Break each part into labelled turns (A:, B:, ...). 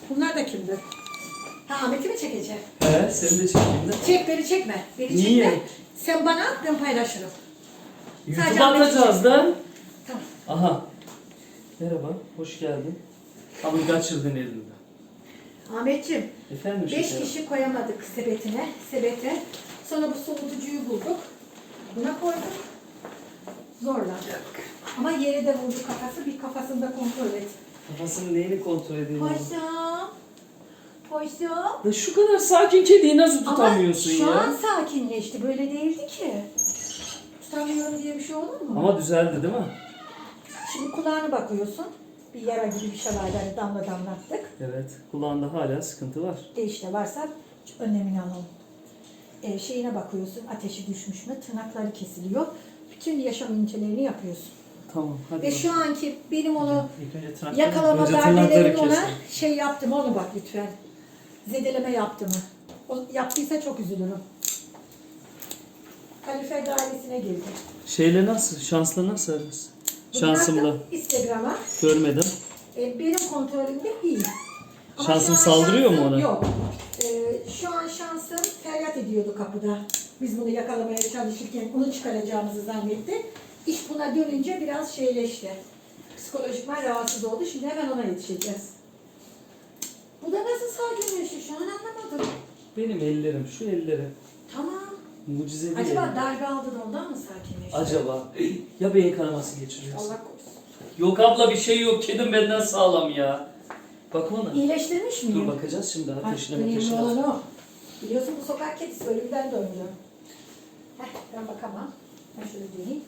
A: Bunlar da kimdir? Ha, Ahmet'i mi çekeceğim?
B: He, seni de çekeyim de.
A: Çek, beni çekme. Beni
B: Niye?
A: çekme. Sen bana at, ben paylaşırım. Sadece
B: YouTube'a
A: Ahmet'i
B: atacağız
A: çek.
B: da.
A: Tamam.
B: Aha. Merhaba, hoş geldin. Ama kaçırdın elinde.
A: Ahmetciğim,
B: Efendim
A: 5
B: şekerim.
A: kişi koyamadık sebete. Sonra bu soğutucuyu bulduk. Buna koyduk. Zorla. Ama yere de vurdu kafası. Bir kafasını da kontrol et.
B: Kafasının neyini kontrol edeyim?
A: Paşam. Paşam.
B: Ya şu kadar sakin kediyi nasıl tutamıyorsun
A: Ama şu
B: ya?
A: an sakinleşti. Böyle değildi ki. Tutamıyorum diye bir şey olur mu?
B: Ama düzeldi değil mi?
A: Şimdi kulağına bakıyorsun. Bir yara gibi bir şey var. Yani damla damlattık.
B: Evet, kulağında hala sıkıntı var.
A: İşte varsa önlemini alalım. Şeyine bakıyorsun. Ateşi düşmüş mü? Tırnakları kesiliyor. Bütün yaşam incelerini yapıyorsun.
B: Tamam, hadi.
A: Ve şu anki benim onu
B: İlk önce tırnakları,
A: yakalama
B: önce
A: darbelerini
B: tırnakları
A: ona
B: kesin.
A: şey yaptım. Onu bak lütfen. Zedeleme yaptı mı? O yaptıysa çok üzülürüm. Kalifer dairesine girdi.
B: Şeyle nasıl, şansla nasıl ararız?
A: Bunu
B: Şansımla.
A: attım Instagram'a.
B: Görmedim.
A: Benim kontrolümde iyi. Ama
B: Şansım
A: şu an
B: saldırıyor mu
A: şansım
B: ona?
A: Yok. Şu an şansım feryat ediyordu kapıda. Biz bunu yakalamaya çalışırken onu çıkaracağımızı zannetti. İş buna dönünce biraz şeyleşti. Psikolojikman rahatsız oldu. Şimdi hemen ona yetişeceğiz. Bu da nasıl sakinleşti şu an anlamadım.
B: Benim ellerim, şu elleri.
A: Tamam.
B: Mucizevi
A: Acaba
B: ellerim.
A: darbe aldı da ondan mı sakinleşti?
B: Acaba ya beyin kanaması geçiriyorsun?
A: Allah korusun.
B: Yok abla bir şey yok. Kedim benden sağlam ya. Bak ona.
A: İyileştirmiş miyim?
B: Dur bakacağız şimdi ateşine
A: Önemli
B: ateşine.
A: olan o. Biliyorsun bu sokak kedisi ölümden döndü. Ben bakamam. Ben şöyle döneyim.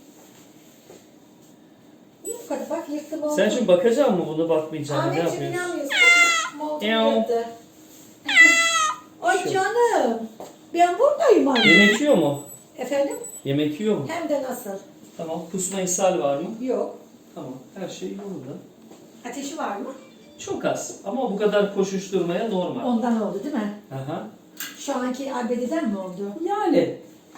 A: İyi bu kadar bak yıktım oldu.
B: Sen şimdi bakacak mısın bunu bakmayacaksın? Ne
A: Ahmetciğim
B: yapıyorsun?
A: inanmıyorsun. Moldu
B: Ev.
A: yıktı. Ay canım. Ben buradayım anne.
B: Yemek yiyor mu?
A: Efendim?
B: Yemek yiyor mu?
A: Hem de nasıl?
B: Tamam. Kusma ishal var mı?
A: Yok.
B: Tamam. Her şey yolunda.
A: Ateşi var mı?
B: Çok az. Ama bu kadar koşuşturmaya normal.
A: Ondan oldu değil mi?
B: Aha.
A: Şu anki arbededen mi oldu?
B: Yani.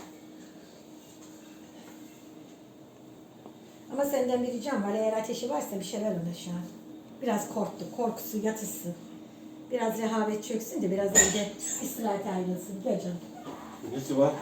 A: Ama senden bir ricam var. Eğer ateşi varsa bir şeyler ona şu an. Biraz korktu. Korkusu yatışsın. Biraz rehavet çöksün de biraz evde istirahat ayrılsın. Gel canım.
C: Nesi var?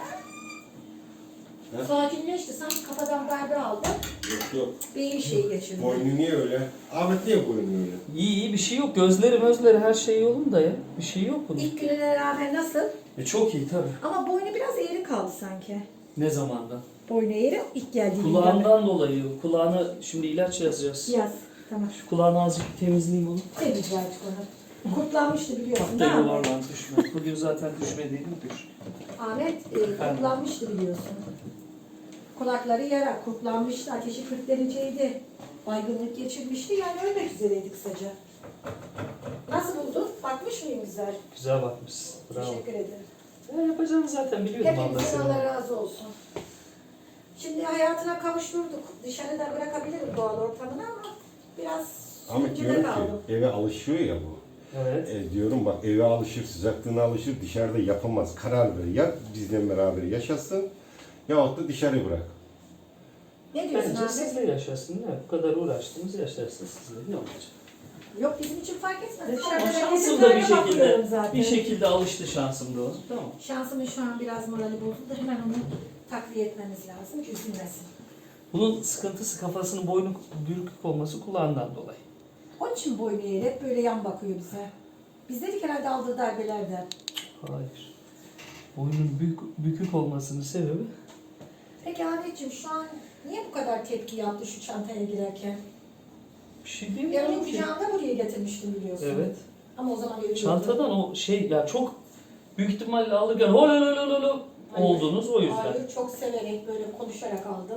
C: Ha?
A: Sakinleşti. Sanki kafadan darbe aldı.
C: Yok yok.
A: Beyin şeyi geçirdi.
C: Boynu niye öyle? Ahmet niye boynu öyle?
B: İyi iyi bir şey yok. Gözleri her şey yolunda ya. Bir şey yok bunun.
A: İlk gününe rağmen nasıl?
B: Çok iyi tabii.
A: Ama boynu biraz eğri kaldı sanki.
B: Ne zamandan?
A: Boynu eğri ilk geldiğinde.
B: Kulağından dolayı. Kulağına şimdi ilaç yazacağız.
A: Yaz. Tamam.
B: Şu kulağını azıcık temizleyeyim onu.
A: Temizle artık onu. Kurtlanmıştı biliyorsun
B: Da
A: değil mi?
B: yuvarlan düşme. Bugün zaten düşmediydim düş.
A: Ahmet kurtlanmıştı biliyorsun. Kulakları yara, kurtlanmıştı, ateşi 40 dereceydi. Baygınlık geçirmişti, yani ölmek üzereydi kısaca. Nasıl buldun? Bakmış mıyım güzel?
B: Güzel bakmışsın. Bravo.
A: Teşekkür ederim.
B: Ya yapacağını zaten biliyordum Allah
A: Hepinizin
B: seni.
A: Allah razı olsun. Şimdi hayatına kavuşturduk. Dışarıda bırakabilirim doğal ortamını ama biraz
C: Ahmet
A: sürüncüde
C: diyorum
A: kaldım.
C: ki eve alışıyor ya bu.
B: Evet.
C: Diyorum bak eve alışır, sıcaklığına alışır, dışarıda yapamaz. Karar ver. Ya bizle beraber yaşasın yahut da dışarı bırak.
A: Ne diyorsun
B: Bence
A: Ahmet?
B: siz de yaşasın. Ne? Bu kadar uğraştınız yaşarsınız siz de. Ne olacak?
A: Yok bizim için fark etmez.
B: Ama
A: Dışarıda
B: şansım
A: herkese
B: da bir
A: böyle bakıyorum
B: şekilde,
A: zaten.
B: bir şekilde alıştı şansım da o. Tamam.
A: Şansımın şu an biraz morali bozuldu. Hemen onu takviye etmemiz lazım ki üzülmesin.
B: Bunun sıkıntısı kafasının boynu bürkük olması kulağından dolayı.
A: Onun için boynu eğri hep böyle yan bakıyor bize. Biz dedik herhalde aldığı darbelerden.
B: Hayır. Boynun bükük olmasının sebebi
A: Peki Ahmetciğim şu an niye bu kadar tepki yaptı şu çantaya girerken?
B: bir şey
A: Ben
B: demiyorum
A: onu
B: ki.
A: kucağımda buraya getirmiştim biliyorsun.
B: Evet.
A: Ama o zaman ölüyordu.
B: Çantadan o şey ya çok büyük ihtimalle alırken holololololo
A: Hayır.
B: oldunuz o yüzden.
A: Hayır, çok severek böyle konuşarak aldım.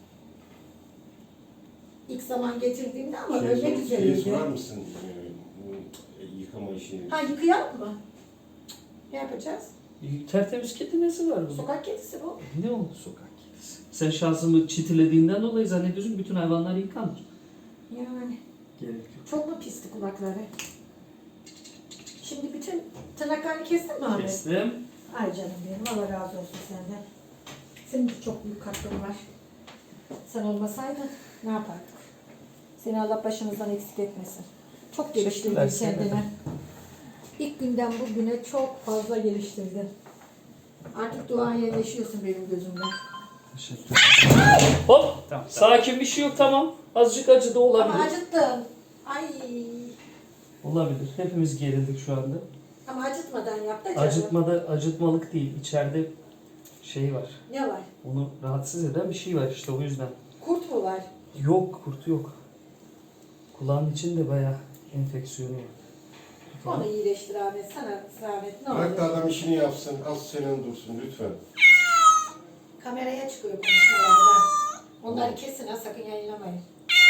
A: İlk zaman getirdiğimde ama ölmek
C: Şeyi
A: üzereydi.
C: sorar mısın? Yıkama işini.
A: Ha yıkayalım mı? Ne yapacağız?
B: Tertemiz kedi nesi var bunun?
A: Sokak kedisi bu.
B: Ne oldu sokak kedisi? Sen şansımı çitilediğinden dolayı zannediyorsun ki bütün hayvanlar yıkanır.
A: Yani
B: Gerek yok.
A: çok mu pisti kulakları? Şimdi bütün tırnaklarını kestin mi Ahmet?
B: Kestim.
A: Ay canım benim, Allah razı olsun senden. Senin de çok büyük katkın var. Sen olmasaydın ne yapardık? Seni Allah başımızdan eksik etmesin. Çok geliştirdin
B: Teşekkürler,
A: kendini. İlk günden bugüne çok fazla geliştirdin. Artık duayenleşiyorsun benim gözümde.
B: Teşekkür ederim. Hop. Tamam. Sakin bir şey yok tamam. Azıcık acı da olabilir.
A: Ama acıttın. Ay.
B: Olabilir. Hepimiz gerildik şu anda.
A: Ama acıtmadan yap da canım.
B: Acıtmalık değil. İçeride şey var.
A: Ne var?
B: Onu rahatsız eden bir şey var işte o yüzden.
A: Kurt mu var?
B: Yok kurt yok. Kulağın içinde bayağı enfeksiyonu var.
A: Onu iyileştir Ahmet. Sana zahmet ne
C: Bırak da
A: olur.
C: adam işini yapsın. Az senin dursun lütfen.
A: Kameraya çıkıyor konuşmalarına. Onları kesin ha sakın yayınlamayın.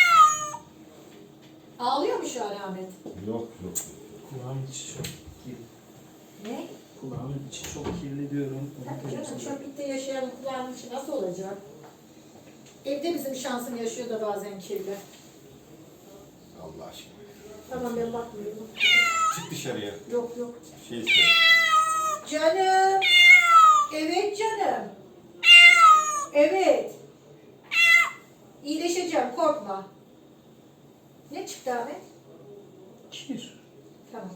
A: Ağlıyor mu şu an Ahmet?
C: Yok yok.
B: Kulağın içi çok kirli.
A: Ne?
B: Kulağın içi çok kirli diyorum.
A: Tabii canım çöplükte yaşayan kulağın içi nasıl olacak? Evde bizim şansım yaşıyor da bazen kirli.
C: Allah aşkına.
A: Tamam ben bakmıyorum.
C: Çık dışarıya.
A: Yok yok.
C: Şey iste.
A: Canım. Evet canım. Evet. İyileşeceğim korkma. Ne çıktı Ahmet?
B: Kir.
A: Tamam.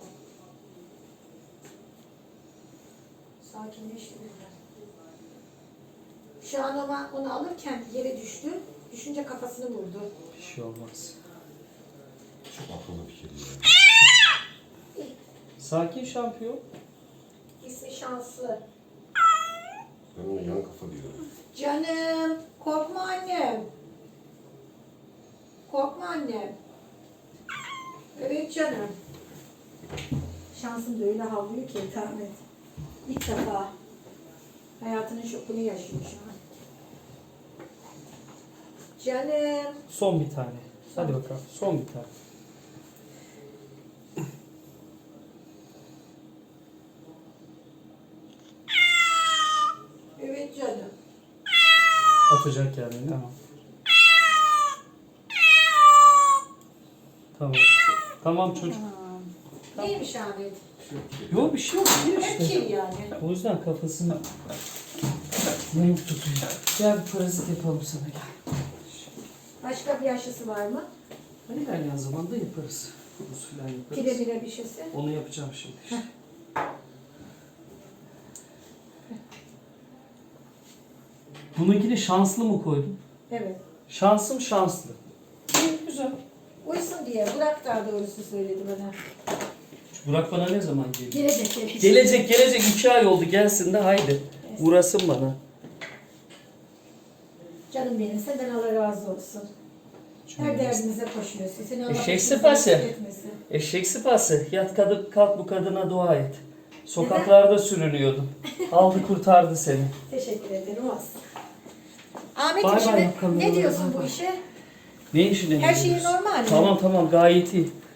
A: Sakinleşti biraz. Şu an ama onu alırken yere düştü. Düşünce kafasını vurdu.
B: Bir şey olmaz.
C: Çok akıllı bir kedi ya.
B: Sakin şampiyon.
A: İsmi şanslı.
C: Ben ona yan kafa diyorum.
A: Canım, korkma annem. Korkma annem. Evet canım. Şansım da öyle havlıyor ki Ahmet. İlk defa hayatının şokunu yaşıyor şu an. Canım.
B: Son bir tane. Hadi bakalım. Son bir tane.
A: Evet canım.
B: Atacak yani ama. Tamam. Tamam çocuk.
A: Neymiş Ahmet?
B: Yok bir şey yok. Kir
A: Hep
B: işte.
A: kir yani.
B: O yüzden kafasını yamuk tutuyor. Gel bir parazit yapalım sana gel.
A: Başka bir aşısı var mı?
B: Hani ilerleyen zamanda yaparız. Kuruz falan yaparız.
A: Pire bire bir şeysi.
B: Onu yapacağım şimdi işte. Bununkini şanslı mı koydum?
A: Evet.
B: Şansım şanslı. İyi, güzel.
A: Uysun diye. Burak daha doğrusu söyledi bana.
B: Burak bana ne zaman geliyor?
A: Gelecek.
B: Gelecek 2 ay oldu gelsin de haydi. Uğrasın bana.
A: Canım benim senden Allah razı olsun. Her derdimize koşuyorsun. Seni Allah
B: Eşek
A: başımızdan
B: sıpası.
A: eksik etmesin.
B: Eşek sıpası. Yat kadın kalk bu kadına dua et. Sokaklarda sürünüyordum. Aldı kurtardı seni.
A: Teşekkür ederim olsun. Ahmet'im
B: Bay bay
A: şimdi
B: bakalım.
A: ne diyorsun
B: Bay
A: bu
B: bay.
A: işe?
B: Ne işine
A: Her
B: ne
A: şey
B: diyorsun?
A: normal mi?
B: Tamam gayet iyi.